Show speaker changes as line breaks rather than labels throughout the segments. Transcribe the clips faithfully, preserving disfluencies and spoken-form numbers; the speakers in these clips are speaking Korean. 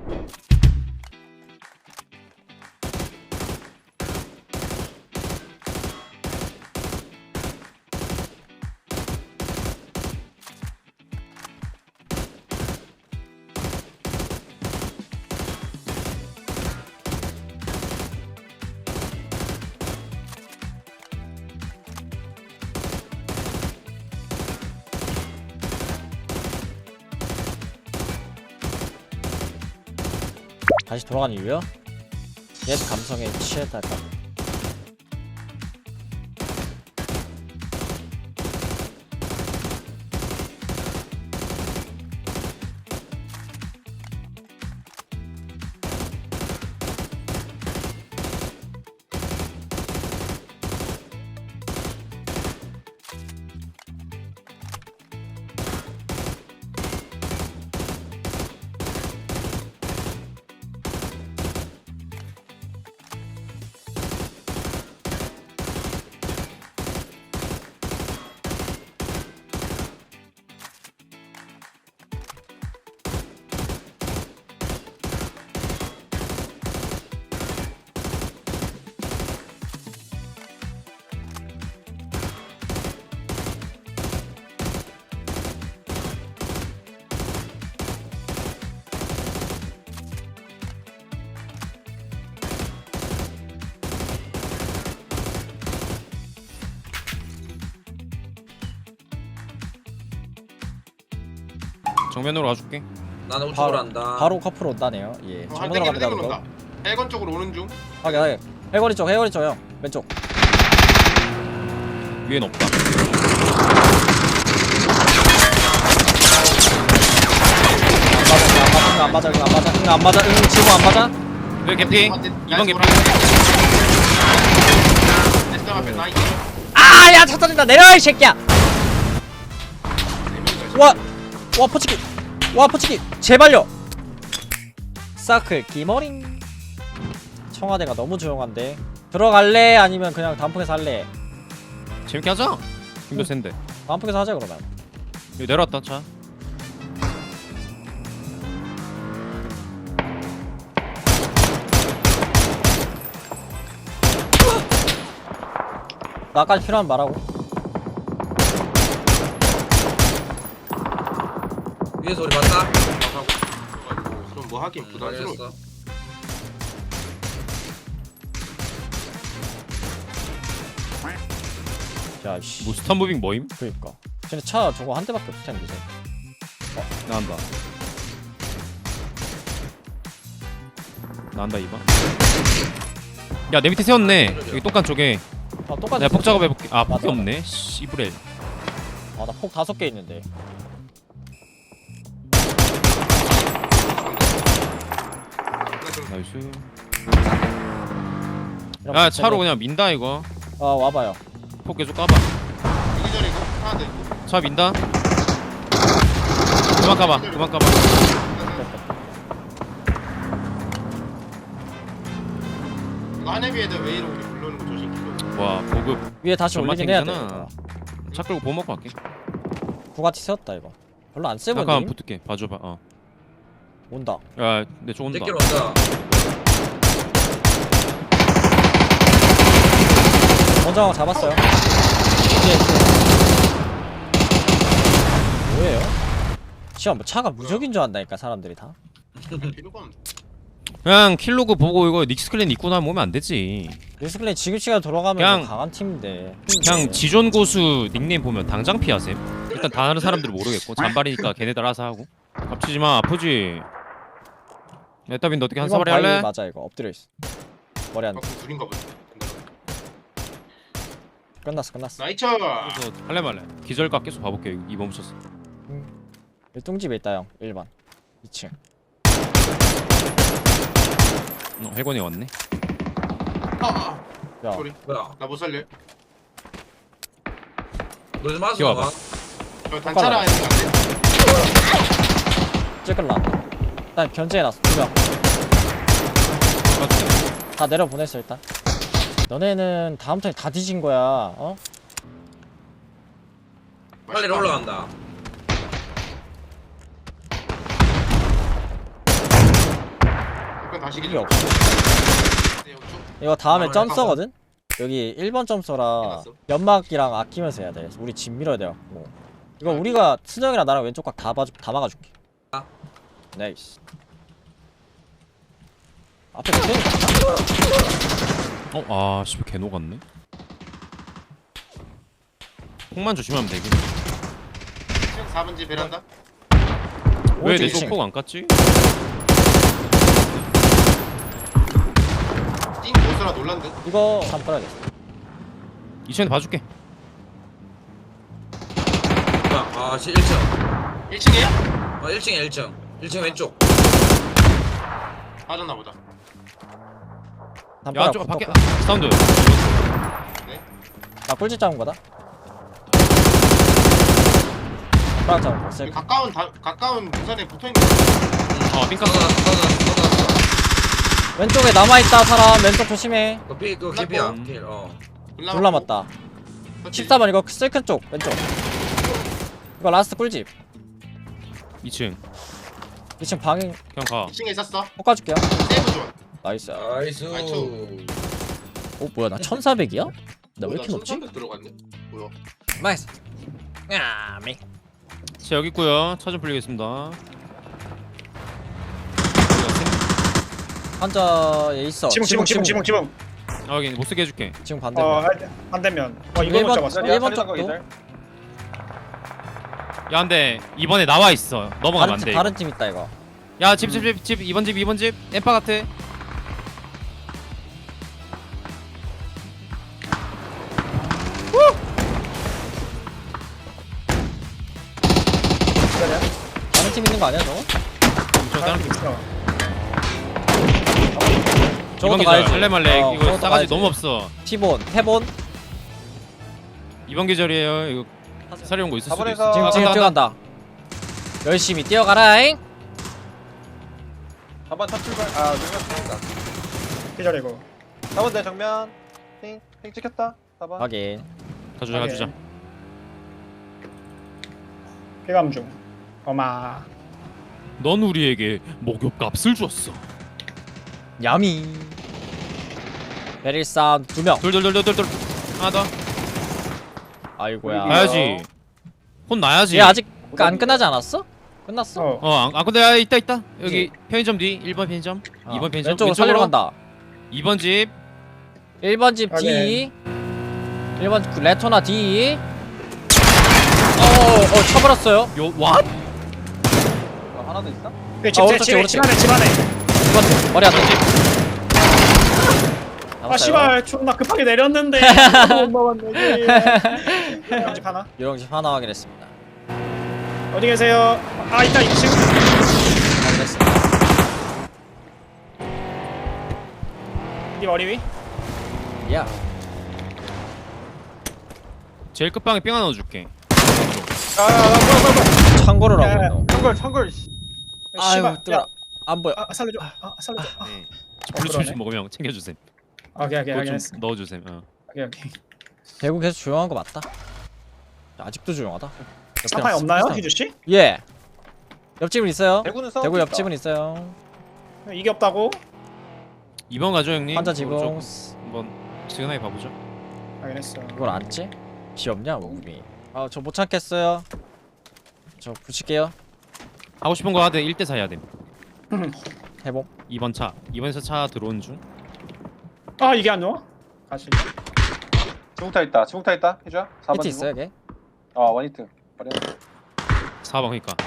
다시 돌아간 이유요? 옛 감성에 취했달까?
정면으로 와줄게.
나는 우측으로 한다.
바로 커플 온다네요. 예.
어,
정문으로
땡기는
갑니다.
땡기는
이거.
온다. 해건 쪽으로 오는 중.
확인 확인. 해거리 쪽 해거리 쪽형 왼쪽.
위엔 없다.
안 맞아 안 맞아 안 맞아 응, 안 맞아 응 지금 안 맞아.
왜 개피? 이번 개피.
에스더 앞에 나 있어.
아야 차 터진다 내려 이 새끼야. 와, 와 포치기, 와 포치기, 제발요. 사클 기머링. 청와대가 너무 조용한데 들어갈래? 아니면 그냥 단풍에서 할래?
재밌게 하자. 힘도 센데.
단풍에서 하자 그러면.
여기 내려왔다 차.
나까지 필요하면 말하고.
위에서 우리 봤다.
그럼 뭐 하긴 부담스러워.
알겠어.
야 씨.
뭐 스탄 무빙 뭐임?
그러니까. 근데 차 저거 한 대밖에 없을 텐데. 이제.
나간다. 나간다 이번. 야 내 밑에 세웠네. 여기 똑같은 쪽에.
아 똑같이.
내가 폭 작업해볼게. 아 폭이
맞아.
없네. 씨브렐.
아나 폭 다섯 개 있는데.
나이스.
이런
야
거
차로
때문에-
그냥 민다 이거.
아 와봐요.
폭 계속 까봐.
이기 전에 이거 하나 돼.
차 민다. 그만 까봐. 그만 까봐.
이거 하네비에다 웨이로 우리 불러오는 거 조심. 기록.
와 보급.
위에 다시
정말
올리긴 해야 돼.
땡기잖아. 차 끌고 보험 먹고 갈게.
구가티 세웠다 이거. 별로 안 세보니.
잠깐만 붙을게. 봐줘봐. 어.
온다.
야내 쪽 온다.
새끼로 온다.
먼저 잡았어요. 뒤에 뭐예요? 시험 뭐 차가 무적인 줄 안다니까 사람들이 다.
필요가 없네.
그냥 킬로그 보고 이거 닉스클랜 입고 나면 오면 안 되지.
리스클레이 지금 시간 돌아가면
그냥-
강한 팀인데.
그냥 지존 고수 닉네임 보면 당장 피하셈. 일단 다른 사람들 모르겠고 잔발이니까 걔네들 알아서 하고. 겹치지 마. 아프지. 에따빈 너 어떻게 한
이건
사발이
바위
할래?
맞아 이거 엎드려 있어. 머리 안
아, 그럼 둘인가 보다.
끝났어 끝났어.
나이처.
그래서 할래 말래. 기절각 계속 봐볼게. 이번 붙였어.
일동집에 있다 형. 일 번. 이 층.
어, 해건이 왔네.
아, 아.
야
소리.
뭐야?
나 못 살려.
너좀 마서
기어봐.
나와.
저 단차라 했는 거 안 돼?
찔끌라. 일단 견제해놨어. 두 명. 다 내려보냈어 일단. 너네는 다음 턴에 다 뒤진 거야. 어?
빨리 올라간다.
가시기
이게
좀.
없어.
네, 우측.
이거 다음에
아,
점서거든? 여기 일 번 점서라
해놨어?
연막이랑 아끼면서 해야 돼. 우리 집 밀어야 돼갖고. 이거 우리가 순영이랑 나랑 왼쪽 각 다 봐주 다 막아줄게.
아.
나이스. 앞에 트레인
어? 아 씨발 개 녹았네. 폭만 조심하면 되긴.
지금 사 번지 베란다.
왜 내
오른쪽 이 층.
쪽폭 안 깠지?
띵 보스라 놀란 듯.
이거 한번 꺼야겠어.
이 층에 봐줄게.
야, 아, 일 층.
일 층이야?
어, 일 층에 일 층. 일 층 왼쪽.
빠졌나 보다.
야 저 밖에 사운드.
나 꿀집 잡은 거다. 프락 잡은 거.
여기
셀.
가까운 다, 가까운 부산에 붙어 있는 거.
어 핑크.
쏟아놨어, 쏟아놨어, 쏟아놨어.
왼쪽에 남아있다 사람. 왼쪽 조심해.
그 피, 그 개피야.
음.
필, 어.
둘 남았다. 십사 번 이거 셀큰 쪽 왼쪽. 이거 라스트 꿀집.
이 층.
이 층 방인
그냥 가.
이 층에 있었어.
볶아줄게요.
세이브 존.
나이스.
나이스.
나이스.
어 뭐야 나 천사백이야? 나 왜 이렇게 높지?
천삼백 들어갔네. 뭐야?
나이스. 야 미.
자 여기 있고요. 차 좀 풀리겠습니다.
환자에 있어.
지붕 지붕 지붕 지붕 지붕.
아 여기 못 쓰게 해줄게.
지금 반대.
어, 할- 안 되면. 어, 이거
일 번,
못 잡았어.
일 번 쪽도.
야 근데 이번에 나와 있어. 넘어가면
다른
안
팀
돼.
다른 팀 있다 이거.
야집 집 집 집 이번 집 이번 집 엠파 같아.
다른 팀 있는 거 아니야 저거?
저 다른 팀.
있어.
저것도
이번 기절
가야지.
할래 말래.
어,
이거
저것도
싸가지
가야지.
너무 없어.
티본, 태본.
이번 계절이에요. 이거 사려온 거 있을 수도 있어.
지금
아,
지금
간다,
뛰어간다. 열심히 뛰어가라잉.
사 번 첫 출발. 아, 누가 쏜다.
기다리고.
사 번 내 정면. 핑, 핑 찍혔다. 사 번.
확인.
가주자 가주자.
피감 중. 어마.
넌 우리에게 목욕값을 줬어.
야미. 베릴 사운드 두 명.
돌돌돌돌돌. 하나 더.
아이고야.
아,
가야지. 혼 나야지.
얘 아직 안 끝나지 않았어? 끝났어?
어.
어, 안, 아 근데 야, 있다 있다. 여기 편의점 뒤 일 번 편의점.
어,
이 번 편의점.
왼쪽으로 살리러 간다.
이 번 집.
일 번 집
확인.
D. 일 번 레토나 D. 어어 쳐버렸어요.
요 왓?
어, 하나 더 있어?
그 집,
아,
집,
오른쪽,
집,
오른쪽.
집 안에, 집 안에.
이 번 집 머리 안 돼.
아, 씨발, 존나 급하게 내렸는데. 못 먹었네. 집 하나.
유령집 하나 확인했습니다.
어디 계세요? 아, 있다, 이 층.
확인했습니다.
네 머리 위?
야.
제일 끝방에 삥 하나 넣어줄게.
아, 아, 아, 뭐야, 뭐야,
창고를
야, 야,
하고
뭐야.
있노.
청걸, 청걸. 씨.
아유
씨발.
뜨거라.
야,
안 보여.
아, 살려줘. 아, 살려줘. 아,
네.
어,
블루투스
그러네.
먹으면 챙겨주셈.
오케이, 오케이,
그거 좀
알겠어.
넣어주셈. 어.
오케이, 오케이.
대구 계속 조용한 거 맞다. 아직도 조용하다.
사파이 없나요, 희주 씨?
예. 옆집은 있어요.
대구는 싸우고
대구
있다.
옆집은 있어요.
이게 없다고?
이 번 가죠 형님.
환자
어,
지붕.
좀 한번 시그널 봐보죠.
알겠어.
이걸 안 찌? 비 없냐 몸이. 아 저 못 참겠어요. 저 붙일게요.
하고 싶은 거 하되 일 대 사 해야 돼.
해봄.
이 번 차. 이번에서 차 들어오는 중.
아, 이게 안 나와? 가시.
지붕타 있다. 지붕타 있다. 해줘. 사 번
히트
지붕.
있어요 걔?
어, 원히트. 버려.
사 번 그니까.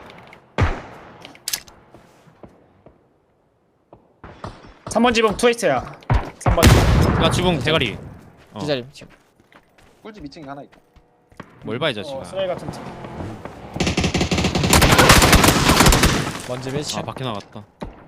삼 번 지붕 트위스트야. 삼 번 지붕.
야 지붕 대가리. 어.
기다림 지금.
꿀집 이 층에 하나 있다.
뭘 봐 이 자식아.
어, 쓰레기 같은 팀.
먼지 밀치.
아 밖에 나갔다.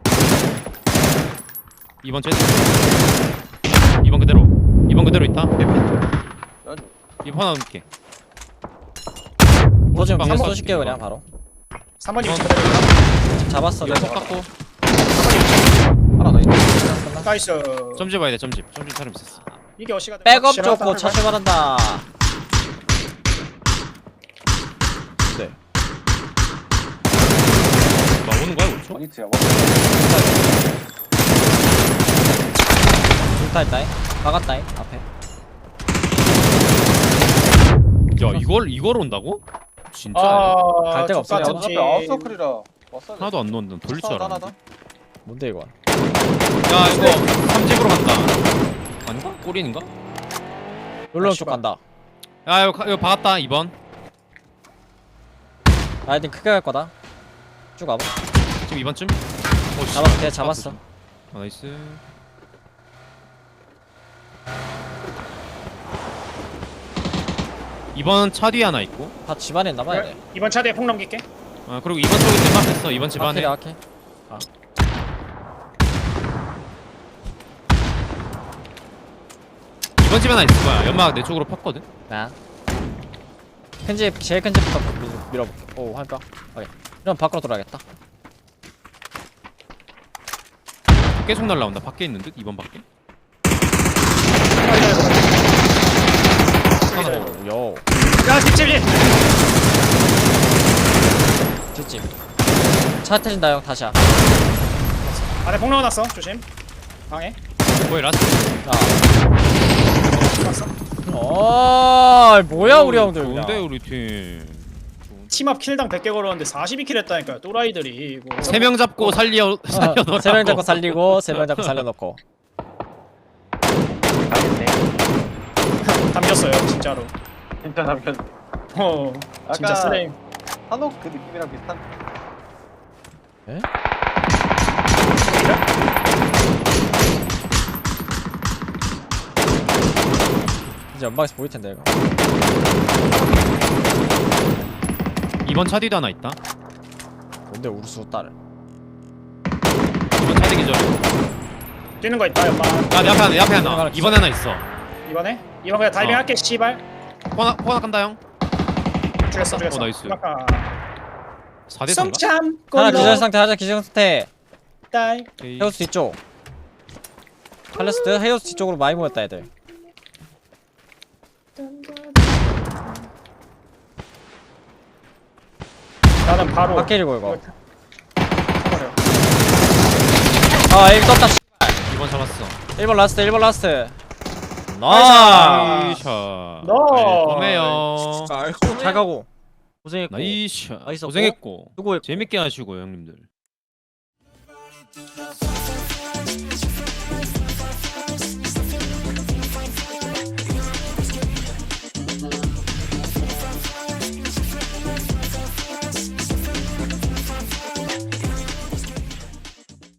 이 번 째. 이 번 그대로. 이 번 그대로 있다.
여주.
이 번 하나 넣을게.
또 지금
방에
계속
써
쏘실게요
줄게,
그냥 바로.
삼 번 지붕
어.
그대로 있다.
잡았어.
이거
내가.
속 깎고.
하나 더 있다.
나이스.
점집 봐야 돼 점집. 점집 사람 있었어.
이게 어시가 돼.
백업
확실하다.
좋고 차 출발한다. 네.
나 오는 거야 우초?
원히트야. 원히트.
붙어있다잉. 막았다잉 앞에.
야 이걸 이걸 온다고? 진짜
아,
갈 데가 없어.
야
족같은
어차피
팀.
아웃서클이라 왔어야 돼.
하나도 안 넣는다. 돌릴 줄
하나,
알았는데.
하나.
뭔데 이거?
야 이거 삼집으로 간다. 아닌가? 꼬리인가?
롤러 쪽
씨발.
간다.
야 이거 가- 이거 박았다 이 번.
라이딩 크게 갈 거다. 쭉 와봐.
지금 이 번쯤? 어, 씨.
잡았, 걔 잡았어.
아, 나이스. 이번 차 뒤에 하나 있고.
다 집안에 남아야 돼.
이번 차대에 폭 넘길게.
아 그리고 이번 쪽에 뒷막했어. 이번 집 안에.
아케 아케.
이번 집 하나 있을 거야. 연막 내 쪽으로 폈거든.
나. 큰 집, 제일 큰 집부터 밀, 밀어볼게. 오, 할까? 오케이. 이러면 밖으로 돌아야겠다.
계속 날라온다. 밖에 있는 듯. 이번 밖에. 하나 더.
오, 요.
야, 뒷집이.
뒷집. 차 터진다 형, 다시야.
안에 폭 넣어놨어. 조심. 방해.
거의 라스트.
자.
봤어.
어, 뭐야 우리 형들.
좋은데
그냥.
우리 팀.
팀업 킬당 백 개 걸었는데 사십이 킬 했다니까요. 또라이들이 이거.
세 명 잡고 살려 살려 넣어.
세명 잡고 살리고 세 명 잡고 살려놓고.
담겼어요, 진짜로.
진짜 남겼네.
어, 진짜
아까-
쓰레임.
한옥 그 느낌이랑 비슷한.
이제 연방에서 보일 텐데 이거.
이번 차 뒤도 하나 있다.
뭔데 우르수 딸을.
이번 차 뒤 기절.
뛰는 거 있다, 연마.
야내 앞에 하나, 내 앞에 하나.
하나
이번에 하나 있어.
이번에? 이번 그냥 다이빙
어.
할게, 씨발.
포나 포나 간다 형.
죽였어, 죽였어.
어, 나이스.
아까.
사 대 삼가?
숨참
하나
꼴로
기절 상태, 하나 기절 상태.
따이.
헤어스 뒤쪽. 칼레스트 헤어스 뒤쪽으로 많이 모였다 애들.
나는 바로
밖에 일고 이거.
버려.
아, 에임 떴다.
이번 잡았어.
일 번 라스트, 일 번 라스트.
아.
나이스.
나이샷.
너.
고매요.
잘 가고. 고생했고.
나이샷.
나이스.
고생했고.
수고했고.
재밌게 하시고 형님들.